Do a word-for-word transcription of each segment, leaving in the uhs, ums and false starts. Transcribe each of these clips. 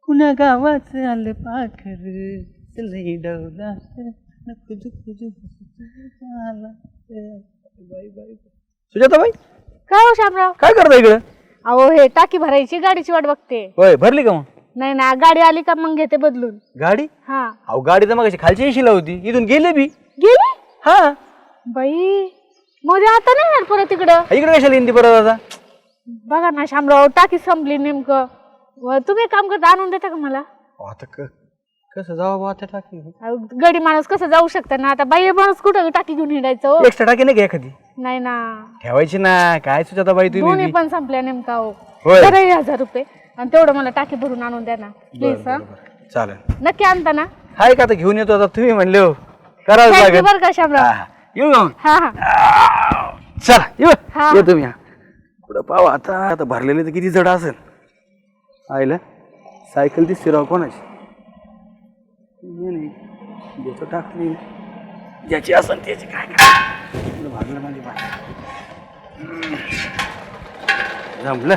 पुण्या गावाचं आलं पाखर लई डवला खुजू खुजू सुजाताबाई काय हो शामराव, काय करता इकडं? अहो हे टाकी भरायची, गाडीची वाट बघते. होय, भरली का मग? नाही ना, गाडी आली का मग घेते बदलून. गाडी? हा. अहो गाडी तर मग खालची येशील होती, इथून गेले बी. गेली? हा. बाई मध्ये आता नाही यार परत इकडं. इकडे कशाला हिंदी परत आता? बघा ना शामराव, टाकी संपली नेमकं. व तुम्ही एक काम करता, आणून देता का मला? आता कसं जाऊ आता टाकी? गडी माणूस कसं जाऊ शकता ना, आता बाई माणूस कुठं टाकी घेऊन हिंडायचं हो? एक्स्ट्रा टाकी नाही का एखादी? नाही ना, ठेवायची ना. काय सुजाताबाई तुम्ही? दोन्ही पण संपल्या नेमका हो. होय. तर हजार रुपये आणि तेवढं मला टाकी भरून आणून द्या ना प्लीज. हा चालेल, नक्की आणता ना? हाय का? आता घेऊन येतो. आता तुम्ही म्हणले हो, करावं लागेल बरं का शामराव. येऊ मग. हा हा चला येऊ. हा. येऊ तुम्ही. कुठं पाहू आता. आता भरलेले तर किती जड असेल. आईला सायकल दिसते राव कोणाची? नाही देतो टाकली ज्याची असेल त्याची. काय काय भागलं माझी बाय जमलं.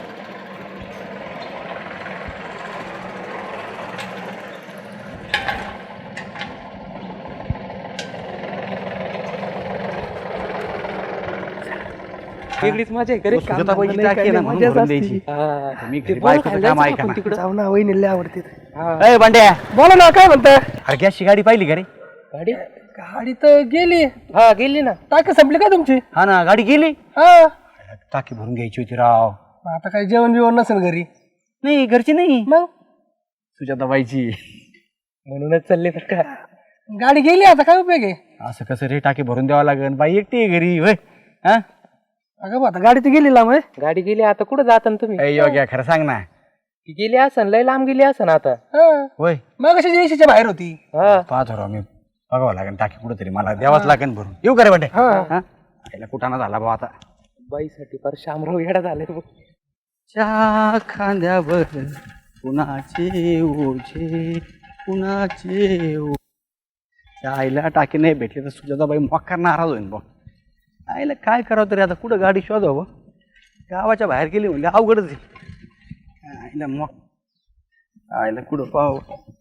वेगळीच मजा आहे करे. सुजाताबाईची टाकी आहे ना, म्हणून भरून द्यायची. मी घरी बायकोचं काम ऐका ना. जाऊ ना, वहिनीला आवडते. ए बांड्या, बोला ना, काय म्हणता? अरे गॅसची गाडी पाहिली का रे? गाडी गाडी तर गेली. हा गेली ना. टाकी संपली का तुमची? हा ना, गाडी गेली. हा. टाकी भरून घ्यायची होती राव. आता काही जेवण बिवण नसेल घरी? नाही, घरची नाही, मग सुजाताबाईची. म्हणूनच चालले तर का. गाडी गेली, आता काय उपयोग आहे? असं कसं रे, टाकी भरून द्यावं लागेल. बाई एकटी आहे घरी. होय. हा अगं आता गाडी तर गेली लांब. गाडी गेली, आता कुठं जाता तुम्ही? ए योग्य, खरं सांग ना. ती गेली असन, लय लांब गेली असन आता. होय. मग कशी येशीच्या बाहेर होती. पाहतो राव मी. बघावं लागेल टाकी कुठं तरी, मला द्यावाच लागेल भरून. येऊ का रे बांडे? आईला कुठाना झाला भाऊ आता. बाईसाठी पर शामराव येडा झाले. च्या खांद्यावर कुणाचे ओझे कुणाचे ओ. आईला टाकी नाही भेटली तर सुजाताबाई मक्का नाराज होईल बघ. आईला काय करावं तरी आता, कुठं गाडी शोधावं? गावाच्या बाहेर गेली म्हणजे अवघडच आहे. आईला मग आईला कुठं पाहावं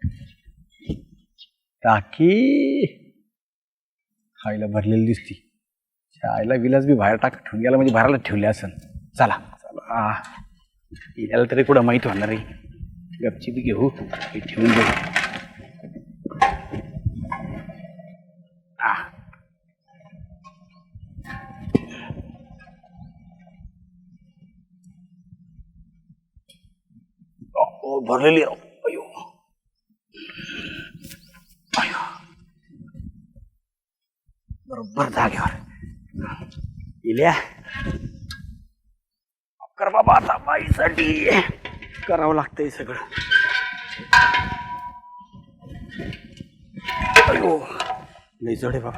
टाकी? आईला भरलेली दिसती. आईला विलास बी बाहेर टाक ठेवून गेला म्हणजे भरायला ठेवले असेल. चला चला, याला तरी कुठं माहीत होणार आहे. गपची बी घेऊ, हे ठेवून देऊ. भरलेली अयो अयो बरोबर जागेवर इल्या. कर बाबा, आता बाईसाठी करावं लागतंय सगळं. अयो लई जड आहे बाबा.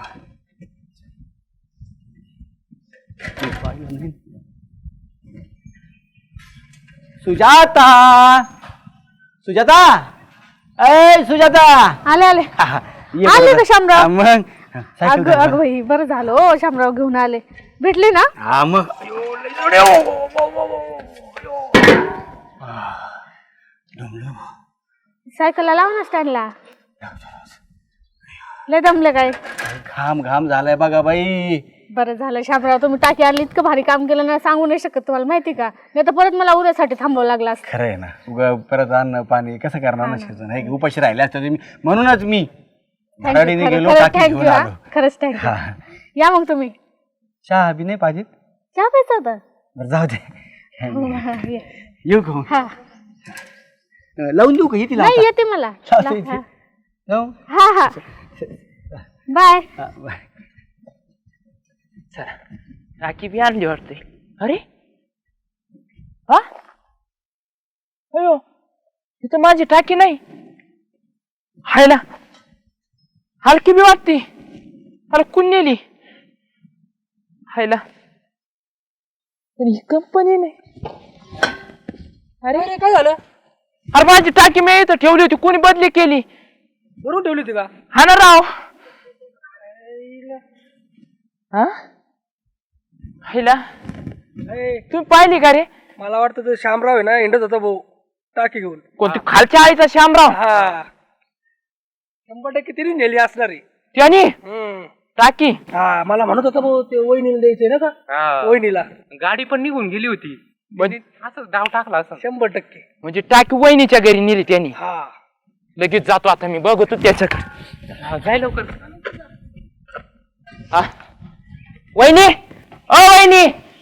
सुजाता, सुजाता, ए सुजाता. आले आले आले का शामराव? मग अगं अगं बाई, बरं झालं हो शामराव घेऊन आले. भेटली ना? हा मग. सायकलला लाव ना स्टँडला. लय दमले काय? घाम घाम झालाय बघा बाई. बरं झालं शामराव, तुम्ही टाकी आणली, इतकं भारी काम केलं ना, सांगू नाही शकत तुम्हाला, माहिती का? नाही तर परत मला उद्यासाठी थांबावं लागलं असतं. खरं आहे ना. उगा परत अन्न पाणी कसं करणार ना शिजून, हे उपाशी राहिले असते तुम्ही. म्हणूनच मी भराडीने गेलो, टाकी घेऊन आलो. खरंच थँक्यू. या मग तुम्ही. चहा बी नाही पाहिजे? चहा प्यायचा होता? बरं जाऊ दे. ये. येऊ का? हा लावून देऊ का? येते नाही, येते मला. हा हा बाय. टाकी बी आणली वाटते. अरे हा, अयो इथं माझी टाकी नाही. हायला हलकी बी वाटते. अरे कुण नेली? हायला ही कंपनी नाही. अरे काय झालं? अरे माझी टाकी मी इथं ठेवली होती, कोणी बदली केली. बरोबर ठेवली होती का? हा ना राव. हा हायला तुम्ही पाहिली का रे? मला वाटतं तो शामराव आहे ना, हिंडत होता भाऊ टाकी घेऊन कोणती खालच्या आईचा श्यामराव हा शंभर टक्के तिने नेली असणार आहे त्याने टाकी. हा मला म्हणत होता भाऊ ते वहिनीला द्यायचंय ना का वहिनीला गाडी पण निघून गेली होती असं डाव टाकला असं शंभर टक्के म्हणजे टाकी वहिनीच्या घरी नेली त्यांनी. हा लगेच जातो आता मी बघतो त्याच्याकडे. हा, जाय लवकर. हा. वहिनी ओ वहिनी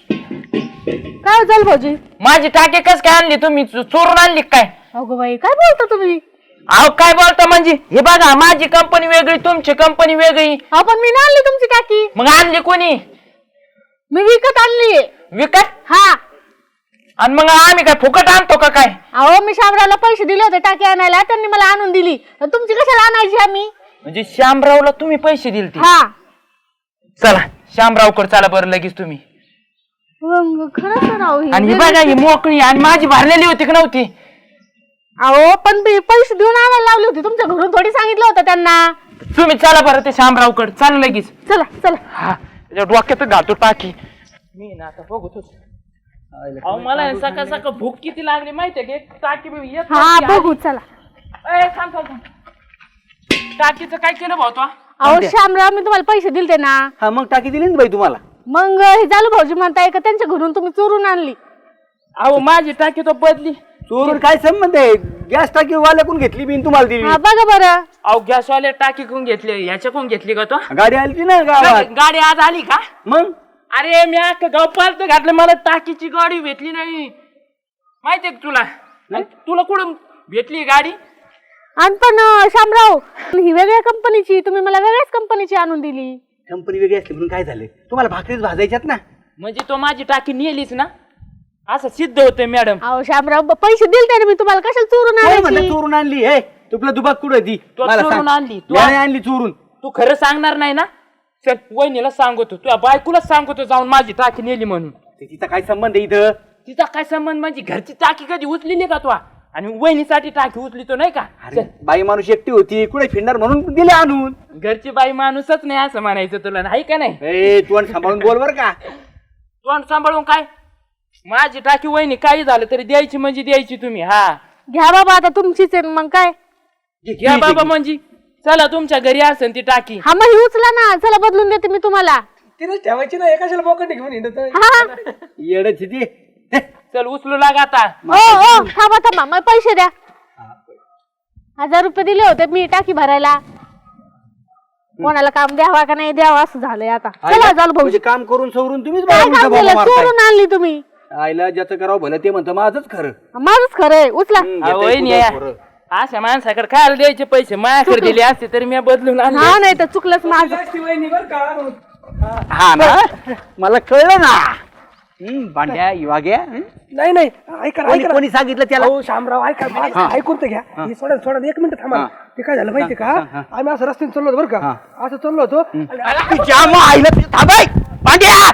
काय झालं भाऊजी? माझी टाकी कस काय आणली तुम्ही चो- चोरून आणली काय? अगो बाई काय बोलता तुम्ही? अहो काय बोलता म्हणजे हे बघा माझी कंपनी वेगळी तुमची कंपनी वेगळी. अहो पण मी नाही आणली तुमची टाकी, मग आणली कोणी? मी विकत आणली. विकत? हा. आणि मग आम्ही काय फुकट आणतो का काय? अहो मी शामरावला पैसे दिले होते टाकी आणायला, त्यांनी मला आणून दिली. आणि तुमची कशाला आणायची आम्ही? म्हणजे श्यामरावला तुम्ही पैसे दिले? हा. चला श्यामरावकडे चला बरं लगेच तुम्ही. मग खरंच ना राव ही. आणि ही बघा ही मोकळी आणि माझी भरलेली होती की नव्हती? अहो पण मी पैसे देऊन आणायला लावली होती, तुमच्या घरून थोडी सांगितलं होतं त्यांना. तुम्ही चला बरं ते श्यामरावकडे चालू लगेच. चला चला. हा त्याच्या डोक्यात घालतो टाकी मी ना आता बघतोच. अहो मला सकाळ सकाळ भूक किती लागली माहितीये की टाकी बी येत हा नव्हती बघू आली. चला. ए, थांब थांब थांब. टाकीचं काय केलं भाऊ तो? अहो शामराव मी तुम्हाला पैसे दिलते ना, हा मग टाकी दिली ना बाई तुम्हाला. मग हे झालं भाऊजी म्हणताय का त्यांच्या घरून तुम्ही चोरून आणली? अहो माझी टाकी तो बदली. चोरून काय संबंध आहे? गॅस टाकी वाल्याकडून घेतली मी तुम्हाला दिली. हा बघा बरं. अहो गॅसवाले टाकी कोण घेतली ह्याच्या कोण घेतली का तो? गाडी आली ना गावात. गाडी आज आली का? मग अरे मी अख्खं गाव पालत घातलं मला टाकीची गाडी भेटली नाही माहितीये का तुला? आणि तुला कुठं भेटली गाडी? आणि पण अं, शामराव ही वेगळ्या कंपनीची, तुम्ही मला वेगळ्याच कंपनीची आणून दिली. कंपनी वेगळी असली म्हणून काय झालं? तुम्हाला भाकरीच भाजायच्यात ना. म्हणजे तो माझी टाकी नेलीच ना असं सिद्ध होतंय मॅडम. अहो शामराव ब- पैसे दिले त्याने मी तुम्हाला, कशाला चोरून काय म्हणलं आणायची? चोरून आणली? हे तुला दुबाक कुठं दी? तू मला चोरून सांग. आणली. तू याने आणली चोरून. तू खरं सांगणार नाही ना? चल वहिनीला सांगतो, तुझ्या बायकोलाच सांगतो जाऊन माझी टाकी नेली म्हणून. ते तिचा काय संबंध आहे इथं? तिचा काय संबंध? म्हणजे घरची टाकी कधी उचलेली का तू? आणि वहिनीसाठी टाकी उचलितो नाही का? अरे बाई माणूस एकटी होती, कुठे फिरणार म्हणून दिले आणून. घरची बाई माणूसच नाही असं म्हणायचं तुला, नाही का? नाही ए तू आणि सांभाळून बोल बर का. तोंड सांभाळून काय? माझी टाकी वहिनी काही झालं तरी द्यायची म्हणजे द्यायची तुम्ही. हा घ्या बाबा आता तुमचीच आहे मग काय. घ्या बाबा म्हणजे चला तुमच्या घरी असेल ती टाकी. हा मग ही उचला ना, चला बदलून देते मी तुम्हाला. तिने ठेवायची ना एकाशाला बोकट घेऊन हिंडत. हा. येडच ती. चल उचलू लागा आता. ओ ओ थांबा थांबा, मला पैसे द्या. हजार रुपये दिले होते मी टाकी भरायला. कोणाला काम द्यावा का नाही द्यावा असं झालंय आता. चला झालं भाऊ. म्हणजे काम करून सवरून तुम्हीच काय बाबा काम उलटा केलं? बोंबा मारताय. चोरून आणली तुम्ही. आईला ज्याचं करावं भलं ते म्हणतं माझंच खरं. माझंच खरंय, उचला. हम्म, अहो, घेताय वहिनी कुठं या. पोरं. अशा माणसाकडे खायला द्यायचे पैसे माझ्याकडे दिले असते तरी मी बदलून आणले. हा नाही तर चुकलंच माझं. हा ना मला कळलं ना. हम्म, भांड्या इवाग्या. हं? नाही नाही ऐका ना, कोणी ऐका ना. कोणी सांगितलं त्याला? अहो शामराव ऐका माझं ऐकून तर घ्या. हे सोडा सोडा एक मिनिट थांबा. ते काय झालं माहिती का? आम्ही असं रस्त्याने चाललो होतो बरं का, असं चाललो होतो आणि तुझ्या मग आईला थांबाय भांड्या.